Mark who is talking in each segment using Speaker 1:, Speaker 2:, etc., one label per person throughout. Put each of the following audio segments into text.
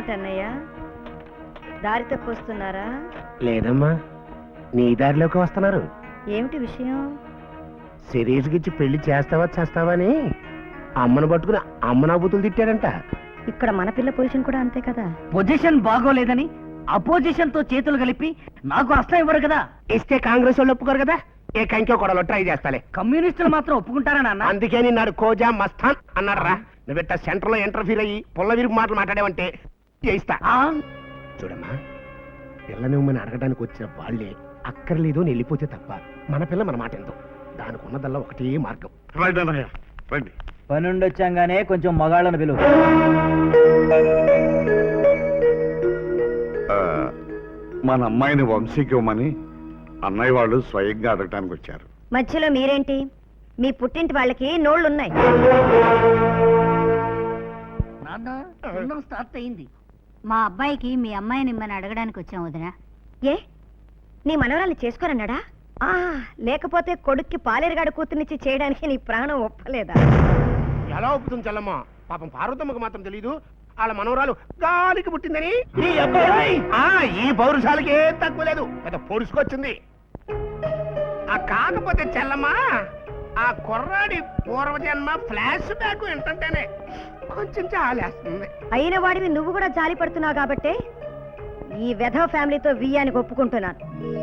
Speaker 1: ఏమిటన్నయ్య, దారి తప్పొస్తున్నారా?
Speaker 2: లేదమ్మా, నీ దారిలోకి వస్తున్నారు.
Speaker 1: ఏమిటి విషయం?
Speaker 2: శిరీష్కిచ్చి పెళ్లి చేస్తావా చేస్తావా అని అమ్మను పట్టుకుని అమ్మ నాబూతులు తిట్టాడంట.
Speaker 1: ఇక్కడ మన పిల్ల పొజిషన్ కూడా అంతే కదా.
Speaker 3: పొజిషన్ బాగోలేదని అపోజిషన్ తో చేతులు కలిపి నాకు అస్తం ఇవ్వరు కదా.
Speaker 2: ఇస్తే కాంగ్రెస్ వాళ్ళు ఒప్పుకోరు కదా. ఏ కంకో కొడలో ట్రై చేస్తాలే.
Speaker 3: కమ్యూనిస్టులు మాత్రం ఒప్పుకుంటారా నాన్న?
Speaker 2: అందుకే నిన్నాడు కోజా మస్తాన్ అన్నాడు రా. నువ్వెట్ట సెంటర్ లో ఇంటర్ఫీర్ అయ్యి పుల్ల విరుగు మాటలు మాట్లాడావంటే చేయిస్తా. చూడమ్మా, పిల్ల నువ్వు అడగడానికి వచ్చిన వాళ్ళే అక్కర్లేదు అని వెళ్ళిపోతే తప్ప మన పిల్ల మన మాట ఎంతో. దానికి ఉన్నదల్లా ఒకటే మార్గం.
Speaker 4: రండి.
Speaker 3: పనుండి వచ్చాగానే కొంచెం మగాళ్ళను పిలువు.
Speaker 4: మన అమ్మాయిని వంశీకి ఇవ్వమని అన్నయ్య వాళ్ళు స్వయంగా అడగటానికి వచ్చారు.
Speaker 1: మధ్యలో మీరేంటి? మీ పుట్టింటి వాళ్ళకి నోళ్లున్నాయి.
Speaker 3: స్టార్ట్ అయింది.
Speaker 5: మా అబ్బాయికి మీ అమ్మాయిని ఇమ్మని అడగడానికి వచ్చాం వదినా.
Speaker 1: ఏ, నీ మనవరాల్ని చేసుకోరన్నాడా? లేకపోతే కొడుక్కి పాలేరుగాడు కూతుర్నిచ్చి చేయడానికి నీ ప్రాణం ఒప్పలేదా?
Speaker 2: ఎలా ఒప్పుతుంది చల్లమ్మ? పాపం పార్వతమ్మకు మాత్రం తెలీదు వాళ్ళ మనవరాలు గాలికి పుట్టిందని. ఈ పౌరుషాలకి ఏం తక్కువ లేదు, పెద్ద పొడుచుకొచ్చింది. కాకపోతే చెల్లమ్మ, ఆ కుర్రాడి పూర్వజన్మ ఫ్లాష్ బ్యాక్ ఏంటంటేనే కొంచెం జాలేస్తుంది.
Speaker 1: అయిన వాడివి నువ్వు కూడా జాలి పడుతున్నావు కాబట్టే ఈ వెధవ ఫ్యామిలీతో వియ్యానికి ఒప్పుకుంటున్నాను.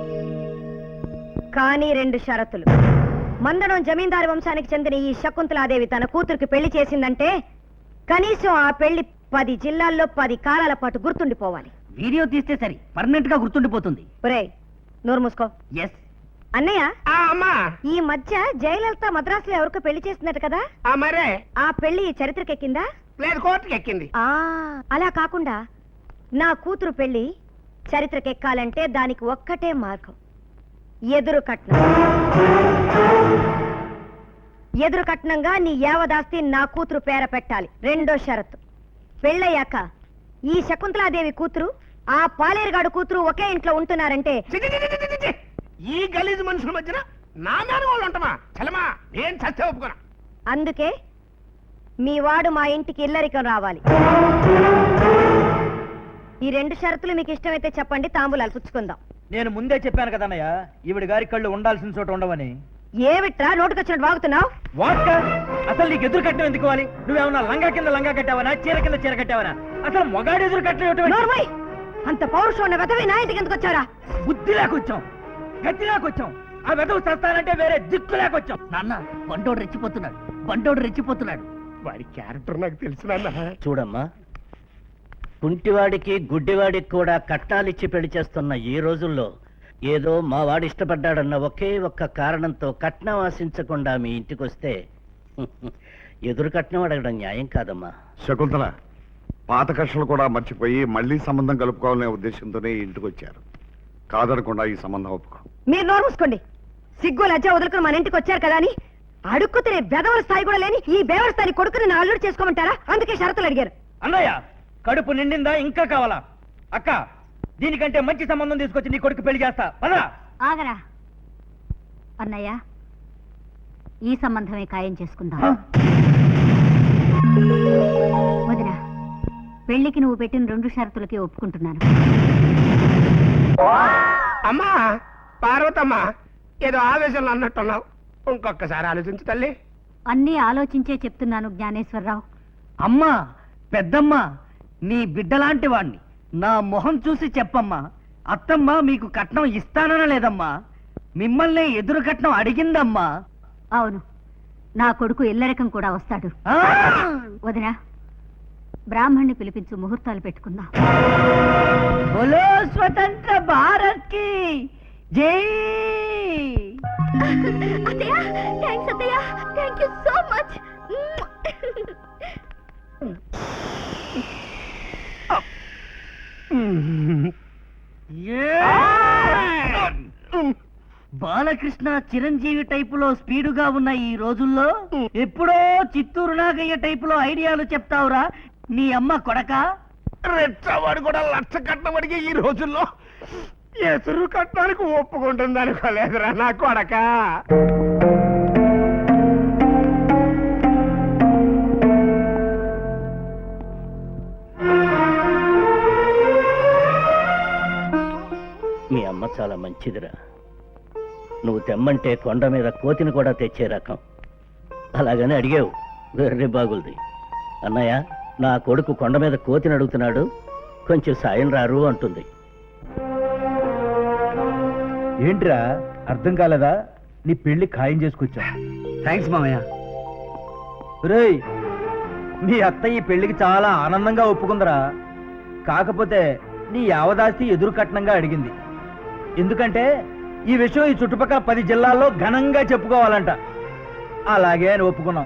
Speaker 1: కానీ 2 షరతులు. మందడం జమీందారు వంశానికి చెందిన ఈ శకుంతలాదేవి తన కూతురికి పెళ్లి చేసిందంటే కనీసం ఆ పెళ్లి 10 జిల్లాల్లో 10 కాలాల పాటు గుర్తుండిపోవాలి.
Speaker 3: వీడియో తీస్తే సరి, పర్మనెంట్ గా గుర్తుండిపోతుంది.
Speaker 1: ఒరేయ్, నోరు మూసుకో.
Speaker 3: ఎస్
Speaker 1: అన్నయ్య,
Speaker 2: అమ్మా,
Speaker 1: ఈ మధ్య జయలలిత మద్రాసులో ఎవరికో పెళ్లి చేస్తున్నట్టు కదా?
Speaker 2: మరే
Speaker 1: ఆ పెళ్లి చరిత్రకెక్కిందా?
Speaker 2: లేదు, కోర్టుకి ఎక్కింది.
Speaker 1: అలా కాకుండా నా కూతురు పెళ్లి చరిత్రకెక్కాలంటే దానికి ఒక్కటే మార్గం, ఎదురు కట్నం. ఎదురు కట్నంగా నీ యావదాస్తి నా కూతురు పేర పెట్టాలి. 2వ షరతు, పెళ్ళయ్యాక ఈ శకుంతలాదేవి కూతురు ఆ పాలేరుగాడు కూతురు ఒకే ఇంట్లో ఉంటున్నారంటే
Speaker 2: ఈ గలీజ్ మనుషుల మధ్యన నా మేన వాళ్ళు ఉంటామా? చలమా, ఏం చస్తే ఒప్పుకోరా.
Speaker 1: అందుకే మీ వాడు మా ఇంటికి ఇల్లరికం రావాలి. ఈ 2 షరతులు మీకు ఇష్టమైతే చెప్పండి, తాంబూలాలు పుచ్చుకుందాం.
Speaker 3: నేను ముందే చెప్పాను కదన్నయ్య, ఈవిడ గారి కళ్ళు ఉండాల్సిన చోట ఉండవని.
Speaker 1: ఏమిట్రా నోటుకొచ్చినట్టు వాగుతున్నావు?
Speaker 3: అసలు నీకు ఎదురు కట్టడం ఎందుకు? నువ్వేమన్నా లంగా కింద లంగా కట్టావనా, చీర కింద చీర కట్టావనా? అసలు మొగాడు ఎదురు కట్టడం?
Speaker 1: అంత పౌరుషం ఉన్న వెధవి నా ఇంటికి ఎందుకు వచ్చారా?
Speaker 3: బుద్ధి లేకొచ్చాం, గతి లేకొచ్చాం. ఆ వెధవు చస్తానంటే వేరే దిక్కు లేకొచ్చాం. నాన్న, బండోడు రెచ్చిపోతున్నాడు, బండోడు రెచ్చిపోతున్నాడు.
Speaker 2: వాడి క్యారెక్టర్ నాకు తెలిసిన.
Speaker 6: చూడమ్మా, కుంటివాడికి గుడ్డివాడికి కూడా కట్నాలిచ్చి పెళ్లి చేస్తున్న ఈ రోజుల్లో ఏదో మా వాడు ఇష్టపడ్డాడన్న ఒకే ఒక్క కారణంతో కట్నం ఆశించకుండా మీ ఇంటికొస్తే ఎదురు కట్నం అడగడం న్యాయం కాదమ్మా.
Speaker 4: శకుంతల, పాత కక్షలు కూడా మర్చిపోయి మళ్ళీ సంబంధం కలుపుకోవాలనే ఉద్దేశంతోనే ఇంటికి వచ్చారు. కాదనకుండా ఈ సంబంధం ఒప్పుకో.
Speaker 1: మీరు నోరు మూసుకోండి. సిగ్గు లజ్జ వదులుకుని మన ఇంటికి వచ్చారు కదా అని అడుక్కు తినే బెదవల స్థాయి కూడా లేని ఈ బేవల స్థాయి కొడుకుని నా అల్లుడు చేసుకోమంటారా? అందుకే షరతులు అడిగారు.
Speaker 3: అన్నయ్య, కడుపు నిండిందా? ఇంకా కావాలా? అక్క, దీనికంటే మంచి సంబంధం తీసుకొచ్చి నీ కొడుకు పెళ్లి చేస్తా. పదా
Speaker 5: ఆగరా అన్నయ్య, ఈ సంబంధమే ఖాయం చేసుకుందాం. వదినా, పెళ్లికి నువ్వు పెట్టిన 2 షరతులకి ఒప్పుకుంటున్నాను.
Speaker 2: అమ్మా పార్వతమ్మ, ఏదో ఆవేశంలో అన్నట్టున్నావు, ఇంకొకసారి ఆలోచించు తల్లి.
Speaker 5: అన్నీ ఆలోచించే చెప్తున్నాను జ్ఞానేశ్వరరావు.
Speaker 3: అమ్మా, పెద్దమ్మ, నీ బిడ్డలాంటి వాణ్ణి, నా మొహం చూసి చెప్పమ్మా. అత్తమ్మ మీకు కట్నం ఇస్తానన లేదమ్మా, మిమ్మల్ని ఎదురు కట్నం అడిగిందమ్మా.
Speaker 5: అవును, నా కొడుకు ఇల్లరికం కూడా వస్తాడు. వదినా, బ్రాహ్మణ్ణి పిలిపించు, ముహూర్తాలు పెట్టుకుందాం.
Speaker 3: బోలో స్వతంత్ర భారత్ కి జై. బాలకృష్ణ చిరంజీవి టైపులో స్పీడుగా ఉన్న ఈ రోజుల్లో ఎప్పుడో చిత్తూరు నాగయ్య టైపులో ఐడియాలు చెప్తావురా నీ అమ్మ కొడక.
Speaker 2: రెచ్చవాడు కూడా లక్ష కట్నం అడిగి ఈ రోజుల్లో ఎదురు కట్టడానికి ఒప్పుకుంటుంది అనుకోలేదురా నా కొడక.
Speaker 6: చాలా మంచిదిరా. నువ్వు తెమ్మంటే కొండ మీద కోతిని కూడా తెచ్చే రకం. అలాగని అడిగావు, వెర్రి బాగుంది. అన్నయ్య, నా కొడుకు కొండ మీద కోతిని అడుగుతున్నాడు, కొంచెం సాయం రారు అంటుంది.
Speaker 3: ఏంట్రా అర్థం కాలేదా? నీ పెళ్లి ఖాయం చేసుకొచ్చా. థ్యాంక్స్ మామయ్య. రేయ్, మీ అత్త ఈ పెళ్లికి చాలా ఆనందంగా ఒప్పుకుందరా. కాకపోతే నీ యావదాస్తి ఎదురు కట్నంగా అడిగింది. ఎందుకంటే ఈ విషయం ఈ చుట్టుపక్కల 10 జిల్లాల్లో ఘనంగా చెప్పుకోవాలంట. అలాగే అని ఒప్పుకున్నాం.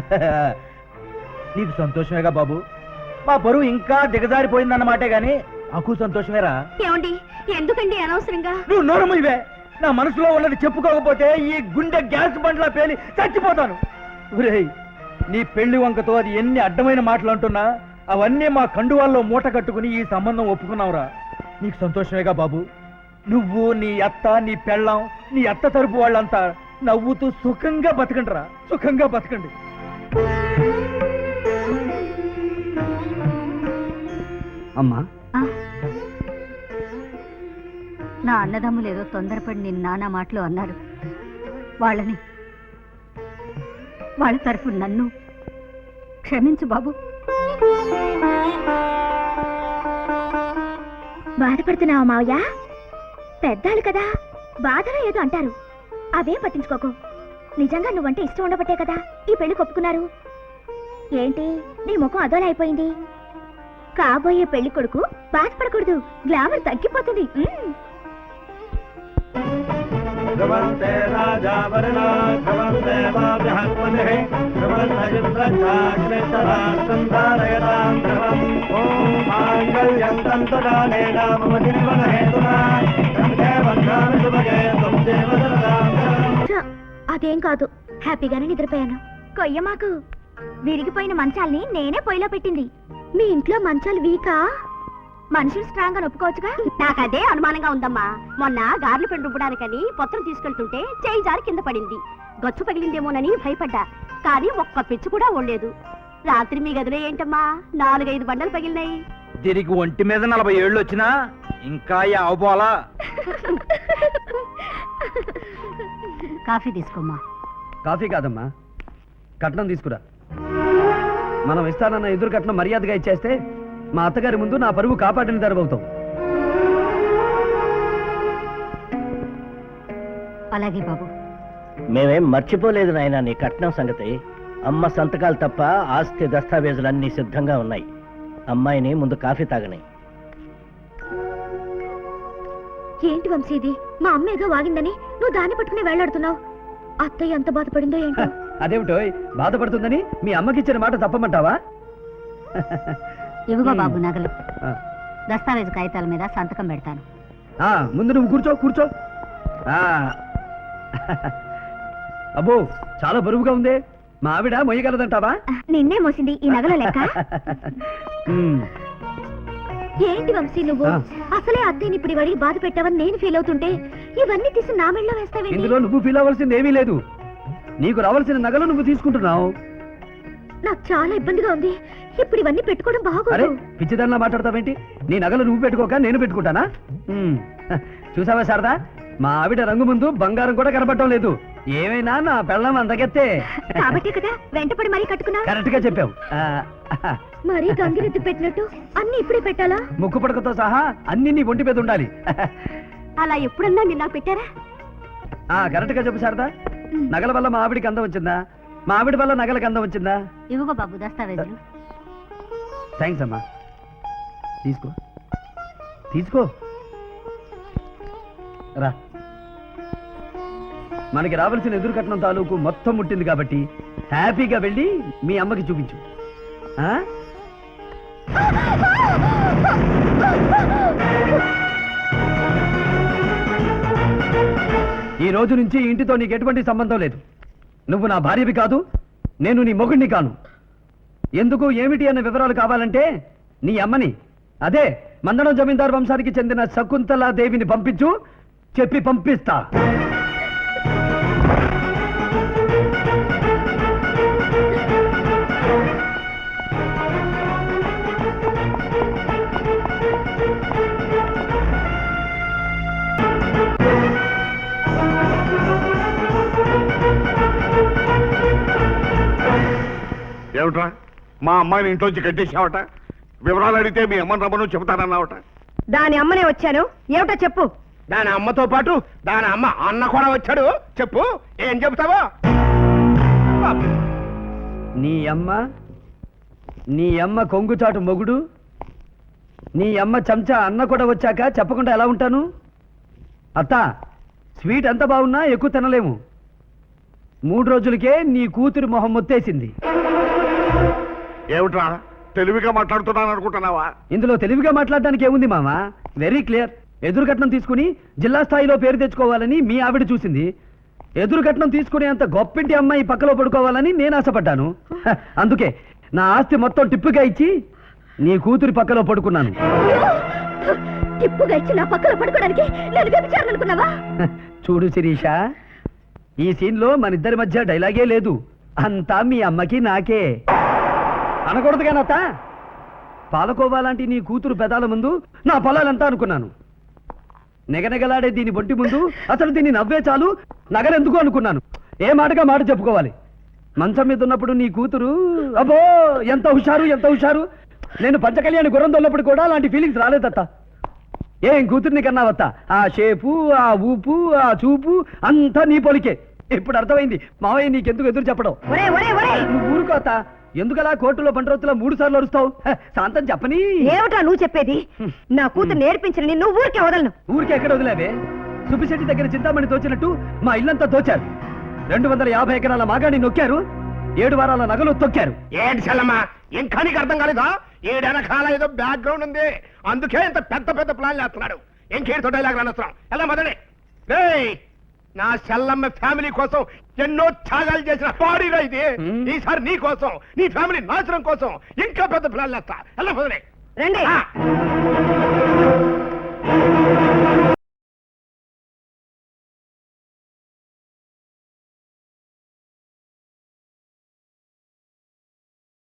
Speaker 3: నీకు సంతోషమేగా బాబు? మా పరువు ఇంకా దిగజారిపోయిందన్నమాటే గాని నాకు సంతోషమేరా.
Speaker 1: ఏమండి, ఎందుకండి అనవసరంగా?
Speaker 3: నువ్వు నోరము ఇవే. నా మనసులో ఉన్నది చెప్పుకోకపోతే ఈ గుండె గ్యాస్ బండ్లా పేలి చచ్చిపోతాను. ఒరేయ్, నీ పెళ్లి వంకతో అది ఎన్ని అడ్డమైన మాటలు అంటున్నా అవన్నీ మా కండువాల్లో మూట కట్టుకుని ఈ సంబంధం ఒప్పుకున్నావురా. నీకు సంతోషమేగా బాబు? నువ్వు, నీ అత్త, నీ పెళ్ళాం, నీ అత్త తరపు వాళ్ళంతా నవ్వుతూ సుఖంగా బతకండిరా, సుఖంగా బతకండి. అమ్మా,
Speaker 5: నా అన్నదమ్ములు ఏదో తొందరపడి నిన్న నానా మాటలు అన్నారు. వాళ్ళ తరఫు నన్ను క్షమించు బాబు.
Speaker 1: బాధపడుతున్నావా మావయ్య? పెద్దాళ్ళు కదా, బాధలో ఏదో అంటారు, అవేం పట్టించుకోకు. నిజంగా నువ్వంటే ఇష్టం ఉండబట్టే కదా ఈ పెళ్లి ఒప్పుకున్నారు. ఏంటి నీ ముఖం అదోలా అయిపోయింది? కాబోయే పెళ్లి కొడుకు బాధపడకూడదు, గ్లామర్ తగ్గిపోతుంది. అదేం కాదు, హ్యాపీగానే నిద్రపోయాను. కొయ్య మాకు విరిగిపోయిన మంచాల్ని నేనే పొయ్యిలో పెట్టింది. మీ ఇంట్లో మంచాలు వీకా? మనుషులు స్ట్రాంగ్ అని ఒప్పుకోవచ్చుగా. నాకు అదే అనుమానంగా ఉందమ్మా. మొన్న గార్లు పెండు రుబ్బడానికని పొత్తం తీసుకెళ్తుంటే చేయి జారి కింద పడింది. గచ్చు పగిలిందేమోనని భయపడ్డా, కానీ ఒక్క పిచ్చు కూడా ఓడలేదు. రాత్రి మీ గదిలో ఏంటమ్మా 4-5 బండలు పగిలినాయి.
Speaker 3: దీనికి ఒంటి మీద 40 ఏళ్ళు వచ్చినా ఇంకా అవపోలా.
Speaker 5: కాఫీ తీసుకోమ్మా.
Speaker 7: కాఫీ కాదమ్మా, కట్నం తీసుకురా. మనం ఇస్తానన్న ఎదురు కట్నం మర్యాదగా ఇచ్చేస్తే మా అత్తగారి ముందు నా పరువు కాపాడిన తరబవుతాం.
Speaker 5: అలాగే బాబు.
Speaker 6: మేమేం మర్చిపోలేదు నాయనా నీ కట్నం సంగతి. అమ్మ సంతకాలు తప్ప ఆస్తి దస్తావేజులన్నీ సిద్ధంగా ఉన్నాయి. అమ్మాయిని ముందు కాఫీ తాగని.
Speaker 1: ఏంటి వంశీది, మా అమ్మ ఏదో వాగిందని నువ్వు దాన్ని పట్టుకుని వేలాడుతున్నావు. అత్తయ్య ఎంత బాధపడిందో ఏంటో.
Speaker 7: అదేమిటో బాధపడుతుందని మీ అమ్మకిచ్చిన మాట తప్పమంటావా?
Speaker 5: ఇవిగో బాబు నగలు. దస్తావేజు కాగితాల మీద సంతకం పెడతాను.
Speaker 7: ముందు నువ్వు కూర్చో కూర్చో. అబ్బో, చాలా బరువుగా ఉంది. మా ఆవిడ మొయ్యగలదంటావా?
Speaker 1: నిన్నే మోసింది ఈ నగల లెక్క. ఏంటి వంశీ నువ్వు అసలే అత్తయ్యని ఇప్పుడు వాడికి బాధ పెట్టావని నేను ఫీల్ అవుతుంటే ఇవన్నీ తీసి నా మెళ్ళలో వేస్తావేంటి?
Speaker 7: ఇందులో నువ్వు ఫీల్ అవ్వాల్సింది ఏమీ లేదు. నీకు రావాల్సిన నగలు నువ్వు తీసుకుంటున్నావు.
Speaker 1: నాకు చాలా ఇబ్బందిగా ఉంది. ఇప్పుడు ఇవన్నీ పెట్టుకోవడం
Speaker 7: అరే,
Speaker 1: బాగోదు.
Speaker 7: పిచ్చిదానిలా మాట్లాడతావేంటి? నీ నగలు నువ్వు పెట్టుకోక నేను పెట్టుకుంటానా? చూసావా శారదా, మా ఆవిడ రంగు ముందు బంగారం కూడా కనబడటం లేదు. ఏమైనా నా పెళ్ళం అందగెత్తే.
Speaker 1: కాబట్టి కదా వెంటపడి మరీ కట్టుకున్నా.
Speaker 7: కరెక్ట్ గా చెప్పావు.
Speaker 1: మరీ గంగిరెద్దు పెట్టినట్టు అన్ని ఇప్పుడే పెట్టాలా?
Speaker 7: ముక్కు పడకతో సహా అన్ని నీ ఒంటి మీద ఉండాలి.
Speaker 1: అలా ఎప్పుడన్నా నిన్న పెట్టారా?
Speaker 7: కరెక్ట్ గా చెప్పు శారదా. నగల వల్ల మా ఆవిడికి అందం వచ్చిందా? మా ఆవిడ వల్ల నగలకు అందం వచ్చిందా?
Speaker 5: ఇవిగో బాబు దస్తావేజులు.
Speaker 7: థ్యాంక్స్ అమ్మా. తీసుకో తీసుకో. రా, మనకి రావాల్సిన ఎదురు కట్నం తాలూకు మొత్తం ముట్టింది కాబట్టి హ్యాపీగా వెళ్ళి మీ అమ్మకి చూపించు. ఈ రోజు నుంచి ఇంటితో నీకు ఎటువంటి సంబంధం లేదు. నువ్వు నా భార్యవి కాదు, నేను నీ మొగుడిని కాను. ఎందుకు ఏమిటి అన్న వివరాలు కావాలంటే నీ అమ్మని, అదే మందడం జమీందారు వంశానికి చెందిన శకుంతలా దేవిని పంపించు, చెప్పి పంపిస్తా.
Speaker 4: ఏమిట్రా మా అమ్మాయిని ఇంట్లోంచి కట్టేసావట? వివరాలు అడిగితే మీ అమ్మని రమ్మను చెబుతానన్నావట.
Speaker 1: దాని అమ్మనే వచ్చాను, ఏమిటో చెప్పు.
Speaker 2: దాని అమ్మతో పాటు దాని అమ్మ అన్న కూడా వచ్చాడు. చెప్పు, ఏం చెబుతావో.
Speaker 7: నీ అమ్మ కొంగుచాటు మొగుడు, నీ అమ్మ చెంచా అన్న కూడా వచ్చాక చెప్పకుండా ఎలా ఉంటాను? అత్త, స్వీట్ ఎంత బాగున్నా ఎక్కువ తినలేము. 3 రోజులకే నీ కూతురి మొహం మొత్తేసింది.
Speaker 4: ఏమిట్రా తెలివిగా మాట్లాడుతున్నాను అనుకుంటున్నావా?
Speaker 7: ఇందులో తెలివిగా మాట్లాడడానికి ఏముంది మామ? Very clear. ఎదురు కట్నం తీసుకుని జిల్లా స్థాయిలో పేరు తెచ్చుకోవాలని మీ ఆవిడ చూసింది. ఎదురు కట్నం తీసుకునే అంత గొప్పింటి అమ్మాయి పక్కలో పడుకోవాలని నేను ఆశపడ్డాను. అందుకే నా ఆస్తి మొత్తం టిప్పుగా ఇచ్చి నీ కూతురి పక్కలో పడుకున్నాను.
Speaker 1: టిప్పుగా ఇచ్చి నా పక్కన పడుకోవడానికి నేను వ్యభిచారనుకున్నావా?
Speaker 7: చూడు శిరీష, ఈ సీన్లో మన ఇద్దరి మధ్య డైలాగే లేదు. అంతా మీ అమ్మకి నాకే. అనకూడదు కానత్త. పాలకోవాలాంటి నీ కూతురు పెదాల ముందు నా పొలాలంతా అనుకున్నాను. నెగనెగలాడే దీని బొంటి ముందు అసలు దీన్ని నవ్వే చాలు నగరెందుకు అనుకున్నాను. ఏ మాటగా మాట చెప్పుకోవాలి. మంచం మీద ఉన్నప్పుడు నీ కూతురు అబ్బో ఎంత హుషారు. నేను పంచకళ్యాణి గుర్రం దొల్లప్పుడు కూడా అలాంటి ఫీలింగ్స్ రాలేదత్త. ఏం కూతుర్ని కన్నావత్త? ఆ షేపు, ఆ ఊపు, ఆ చూపు అంతా నీ పొలికే. ఇప్పుడు అర్థమైంది మావయ్య నీకెందుకు ఎదురు చెప్పడం. నువ్వు ఊరుకోత. ఎందుకలా కోర్టులో బండ్రోతులో 3 సార్లు అరుస్తావు? శాంతం చెప్పని.
Speaker 1: ఏమిటా నువ్వు చెప్పేది? నా కూతురు నేర్పించిన నువ్వు ఊరికే వదలను.
Speaker 7: ఊరికే ఎక్కడ వదిలేవే? సుబ్బిశెట్టి దగ్గర చింతామణి తోచినట్టు మా ఇల్లంతా తోచారు. 250 ఎకరాల మాగాణి నొక్కారు. 7 వారాల నగలు తొక్కారు.
Speaker 2: ఏంటి చెల్లమ్మా, ఇంకా నీకు అర్థం కాలేదా? ఏడెనకాల ఏదో బ్యాక్గ్రౌండ్ ఉంది, అందుకే ఇంత పెద్ద పెద్ద ప్లాన్ చేస్తున్నాడు. ఇంకేంటో డైలాగ్ రానవసరం. ఎలా మొదలే. రేయ్, నా చెల్లమ్మ ఫ్యామిలీ కోసం ఎన్నో త్యాగాలు చేసిన బాడీరా ఇది. ఈసారి నీ కోసం, నీ ఫ్యామిలీ నాశనం కోసం ఇంకా పెద్ద ప్లాన్ చేస్తా. ఎలా మొదలే.
Speaker 1: రండి.
Speaker 2: ఆ.